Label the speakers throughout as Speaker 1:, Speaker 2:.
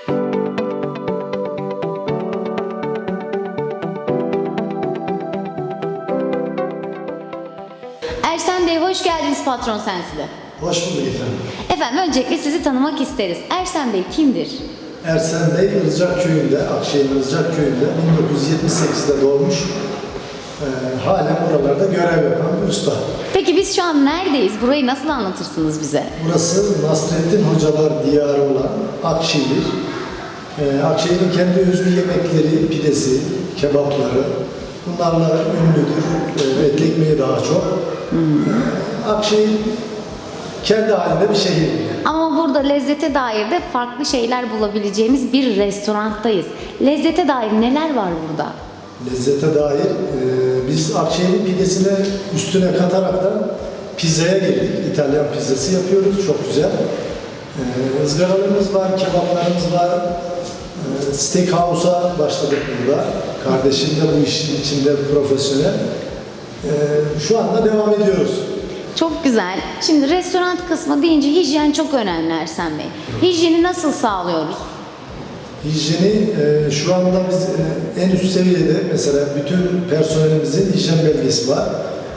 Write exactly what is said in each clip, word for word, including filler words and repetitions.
Speaker 1: Ersen Bey hoş geldiniz Patron Sensi'de.
Speaker 2: Hoş bulduk efendim.
Speaker 1: Efendim öncelikle sizi tanımak isteriz. Ersen Bey kimdir?
Speaker 2: Ersen Bey Ilıcak köyünde, Akşehir Ilıcak köyünde bin dokuz yüz yetmiş sekizde doğmuş. Ee, halen buralarda görev yapan bir usta.
Speaker 1: Peki biz şu an neredeyiz? Burayı nasıl anlatırsınız bize?
Speaker 2: Burası Nasrettin Hocalar diyarı olan Akşehir. Ee, Akşehir'in kendi özgü yemekleri, pidesi, kebapları bunlarla ünlüdür. Ee, etli ekmeği daha çok. Ee, Akşehir kendi halinde bir şehir.
Speaker 1: Ama burada lezzete dair de farklı şeyler bulabileceğimiz bir restoranttayız. Lezzete dair neler var burada?
Speaker 2: Lezzete dair e, biz Akşehir'in pidesine üstüne kataraktan pizzaya girdik. İtalyan pizzası yapıyoruz. Çok güzel. E, ızgaralarımız var, kebaplarımız var. E, Steakhouse'a başladık burada. Kardeşim de bu işin içinde profesyonel. E, şu anda devam ediyoruz.
Speaker 1: Çok güzel. Şimdi restoran kısmı deyince hijyen çok önemli Ersen Bey. Hijyeni nasıl sağlıyoruz?
Speaker 2: Hijyeni e, şu anda biz e, en üst seviyede mesela bütün personelimizin hijyen belgesi var.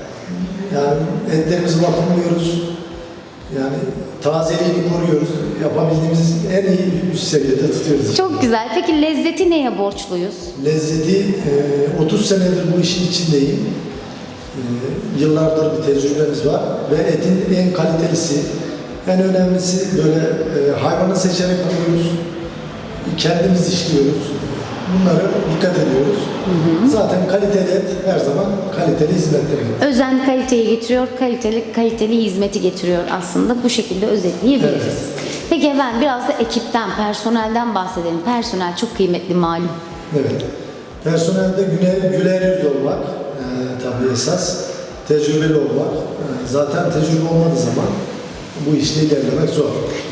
Speaker 2: Yani etlerimizi vakumluyoruz. Yani tazeliğini koruyoruz. Yapabildiğimiz en iyi üst seviyede tutuyoruz.
Speaker 1: Çok güzel. Peki lezzeti neye borçluyuz?
Speaker 2: Lezzeti e, otuz senedir bu işin içindeyim. E, yıllardır bir tecrübemiz var ve etin en kalitelisi, en önemlisi böyle e, hayvanı seçerek alıyoruz. Kendimiz işliyoruz. Bunlara dikkat ediyoruz. Hı hı. Zaten kaliteli et her zaman kaliteli hizmet demek.
Speaker 1: Özen kaliteyi getiriyor, kaliteli kaliteli hizmeti getiriyor aslında. Bu şekilde özetleyebiliriz.
Speaker 2: Evet.
Speaker 1: Peki efendim biraz da ekipten, personelden bahsedelim. Personel çok kıymetli malum.
Speaker 2: Evet. Personelde güler, güler yüzlü olmak e, tabii esas. Tecrübeli olmak. E, zaten tecrübe olmadığı zaman bu işte ilerlemek zor.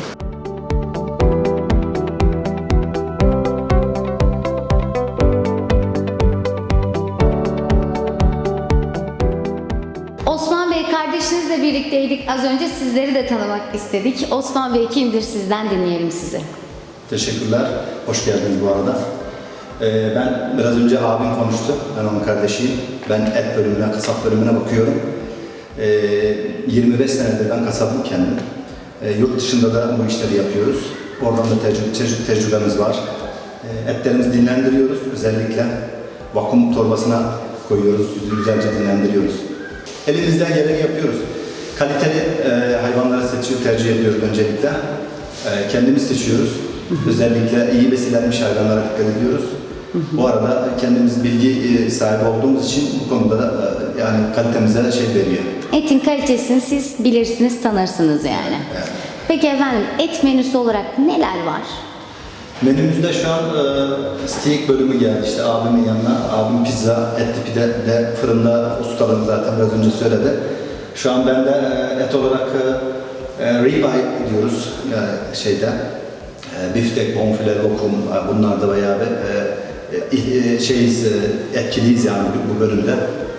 Speaker 1: Osman Bey kardeşinizle birlikteydik. Az önce sizleri de tanımak istedik. Osman Bey kimdir? Sizden dinleyelim sizi.
Speaker 3: Teşekkürler. Hoş geldiniz bu arada. Ee, ben biraz önce abim konuştu. Ben onun kardeşiyim. Ben et bölümüne, kasap bölümüne bakıyorum. Ee, yirmi beş senedir ben kasabım kendim. Ee, yurt dışında da bu işleri yapıyoruz. Oradan da tecrübe, tecrübe, tecrübemiz var. Ee, etlerimizi dinlendiriyoruz. Özellikle vakum torbasına koyuyoruz. Güzelce dinlendiriyoruz. Elimizden geleni yapıyoruz. Kaliteli e, hayvanları seçiyor, tercih ediyoruz öncelikle. E, kendimiz seçiyoruz. Hı hı. Özellikle iyi beslenmiş hayvanlara dikkat ediyoruz. Hı hı. Bu arada kendimiz bilgi e, sahibi olduğumuz için bu konuda da e, yani kalitemize şey veriyor.
Speaker 1: Etin kalitesini siz bilirsiniz, tanırsınız yani.
Speaker 3: Evet.
Speaker 1: Peki efendim et menüsü olarak neler var?
Speaker 3: Menümüzde şu an e, steak bölümü geldi işte abimin yanına. Abim pizza, etli pide de fırında ustalığım zaten biraz önce söyledi. Şu an ben de e, et olarak e, e, ribeye diyoruz yani şeyde. E, biftek, bonfile, lokum e, bunlar da bayağı bir e, e, şeyiz, e, etkiliyiz yani bu, bu bölümde.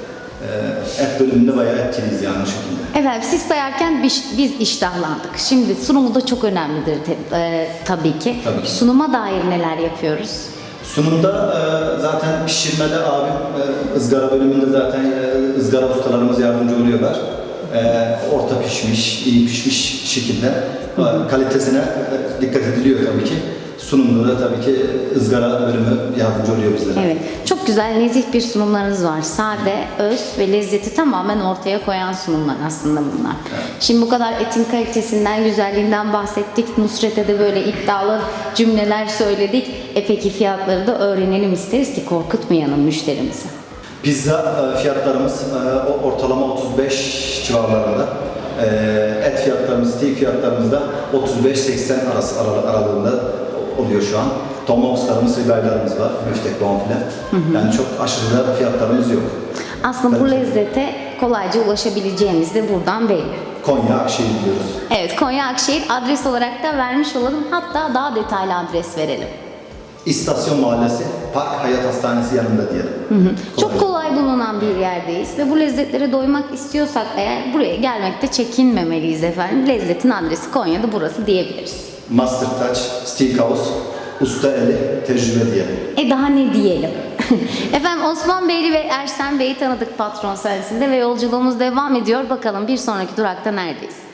Speaker 3: E, et bölümünde bayağı etkiliyiz yani şu şekilde.
Speaker 1: Efendim siz sayarken biz, biz iştahlandık. Şimdi sunumu da çok önemlidir te, e, tabii ki.
Speaker 3: Tabii ki.
Speaker 1: Sunuma dair neler yapıyoruz?
Speaker 3: Sunumda e, zaten pişirmede abim e, ızgara bölümünde zaten e, ızgara ustalarımız yardımcı oluyorlar. E, orta pişmiş, iyi pişmiş şekilde e, kalitesine e, dikkat ediliyor tabii ki. Sunumda da tabii ki ızgara bölümü yardımcı oluyor bizlere.
Speaker 1: Evet. Çok güzel, nezih bir sunumlarınız var. Sade, öz ve lezzeti tamamen ortaya koyan sunumlar aslında bunlar.
Speaker 3: Evet.
Speaker 1: Şimdi bu kadar etin kalitesinden, güzelliğinden bahsettik. Nusret'e de böyle iddialı cümleler söyledik. E peki fiyatları da öğrenelim isteriz ki korkutmayalım müşterimizi.
Speaker 3: Pizza e, fiyatlarımız e, ortalama otuz beş civarlarında. E, et fiyatlarımız, steak fiyatlarımız da otuz beş seksen arası aralığında oluyor şu an. Tomahawk'larımız, ribaylarımız var, müftek, bonfile. Hı hı. Yani çok aşırı da fiyatlarımız yok.
Speaker 1: Aslında bu lezzete kolayca ulaşabileceğimiz de buradan belli.
Speaker 3: Konya Akşehir diyoruz.
Speaker 1: Evet, Konya Akşehir adres olarak da vermiş olalım. Hatta daha detaylı adres verelim.
Speaker 3: İstasyon Mahallesi, Park Hayat Hastanesi yanında diyelim.
Speaker 1: Hı hı. Çok kolay bulunan bir yerdeyiz ve bu lezzetlere doymak istiyorsak eğer buraya gelmekte çekinmemeliyiz efendim. Lezzetin adresi Konya'da burası diyebiliriz.
Speaker 3: Master Touch Steakhouse, usta eli, tecrübe diyelim.
Speaker 1: E daha ne diyelim? Efendim Osman Beyli ve Ersen Bey'i tanıdık patron sayesinde ve yolculuğumuz devam ediyor. Bakalım bir sonraki durakta neredeyiz?